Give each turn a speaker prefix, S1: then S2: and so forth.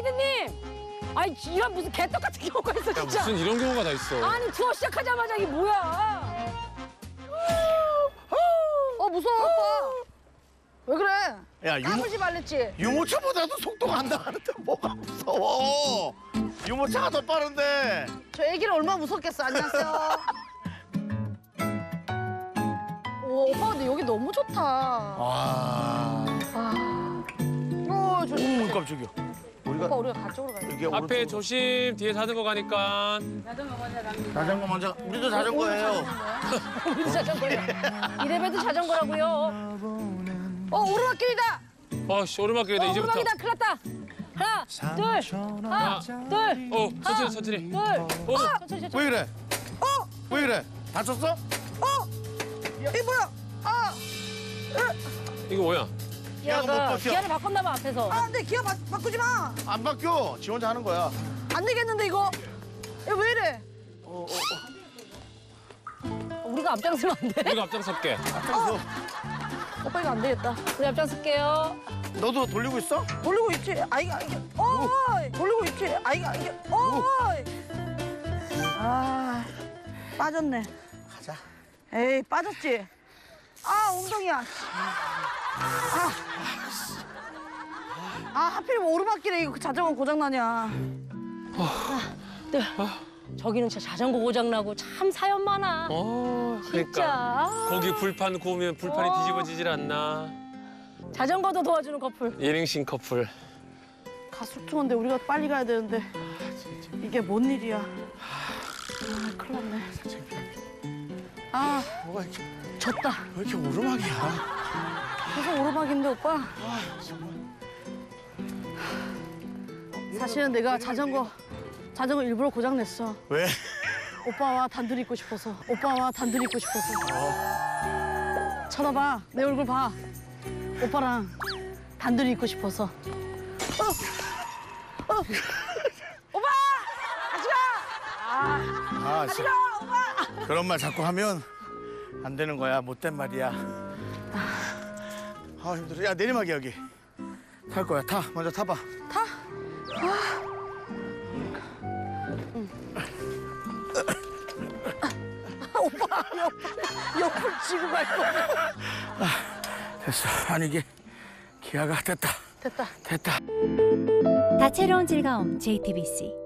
S1: 피디님. 아니 이런 무슨 개떡 같은 경우가 있어 진짜.
S2: 무슨 이런 경우가 다 있어.
S1: 아니 투어 시작하자마자 이게 뭐야? 무서워 오빠. 왜 그래?
S3: 야,
S1: 까불지 말랬지.
S3: 유모차보다도 속도가 안 나가는데 뭐가 무서워? 유모차가 더 빠른데.
S1: 저 애기를 얼마나 무섭겠어. 안녕하세요. 오, 오빠 근데 여기 너무 좋다.
S3: 와.
S1: 조심.
S3: 오, 깜짝이야.
S1: 오빠 우리가 가쪽으로 가야 돼.
S3: 이게
S2: 앞에
S3: 오른쪽으로.
S2: 조심, 뒤에 자전거 가니까.
S3: 자전거 먼저. 우리도 자전거예요.
S1: 우리 자전거예요. 이래봬도 자전거라고요. 오르막길이다.
S2: 씨, 오르막길이다, 이제부터.
S1: 오르막이다. 큰일 났다. 하나, 둘, 하나, 둘.
S2: 천천히.
S1: 둘. 천천히.
S3: 왜 그래? 왜 그래? 다쳤어?
S1: 이게 뭐야?
S2: 이거 뭐야?
S3: 기아가 못 바뀌어.
S1: 기아를 바꿨나 봐 앞에서.
S4: 근데 기어 바꾸지 마.
S3: 안 바뀌어. 지 혼자 하는 거야.
S4: 안 되겠는데 이거. 이거 왜 이래?
S1: 우리가 앞장서면 안 돼?
S2: 우리가 앞장설게.
S3: 앞장서.
S1: 오빠 이거 안 되겠다. 우리 앞장설게요.
S3: 너도 돌리고 있어?
S4: 돌리고 있지. 아이가 이게. 돌리고 있지. 아이가 이게. 빠졌네.
S3: 가자.
S4: 에이 빠졌지. 엉덩이야. 하필이면 오르막길에 이거 자전거 고장 나냐.
S1: 저기는 진짜 자전거 고장나고 참 사연 많아.
S2: 그러니까.
S1: 진짜.
S2: 거기 불판 구우면 불판이 뒤집어지질 않나.
S1: 자전거도 도와주는 커플.
S2: 1인칭 커플.
S4: 가슴통인데 우리가 빨리 가야 되는데 이게 뭔 일이야. 큰일 났네.
S3: 뭐가 이렇게,
S4: 졌다.
S3: 왜 이렇게 오르막이야?
S4: 계속 오르막인데 오빠. 사실은 내가 자전거 일부러 고장 냈어.
S3: 왜?
S4: 오빠와 단둘이 있고 싶어서. 쳐다봐. 내 얼굴 봐. 오빠랑 단둘이 있고 싶어서. 오빠! 같이 가!
S3: 진짜. 그런 말 자꾸 하면 안 되는 거야. 못된 말이야. 힘들어. 야, 내리막이야, 여기. 탈 거야. 타. 먼저 타봐.
S4: 타? 오빠, 옆을 쥐고 갈 거야.
S3: 됐어. 아니, 이게 기아가 됐다.
S4: 됐다.
S3: 됐다.
S5: 다채로운 즐거움 JTBC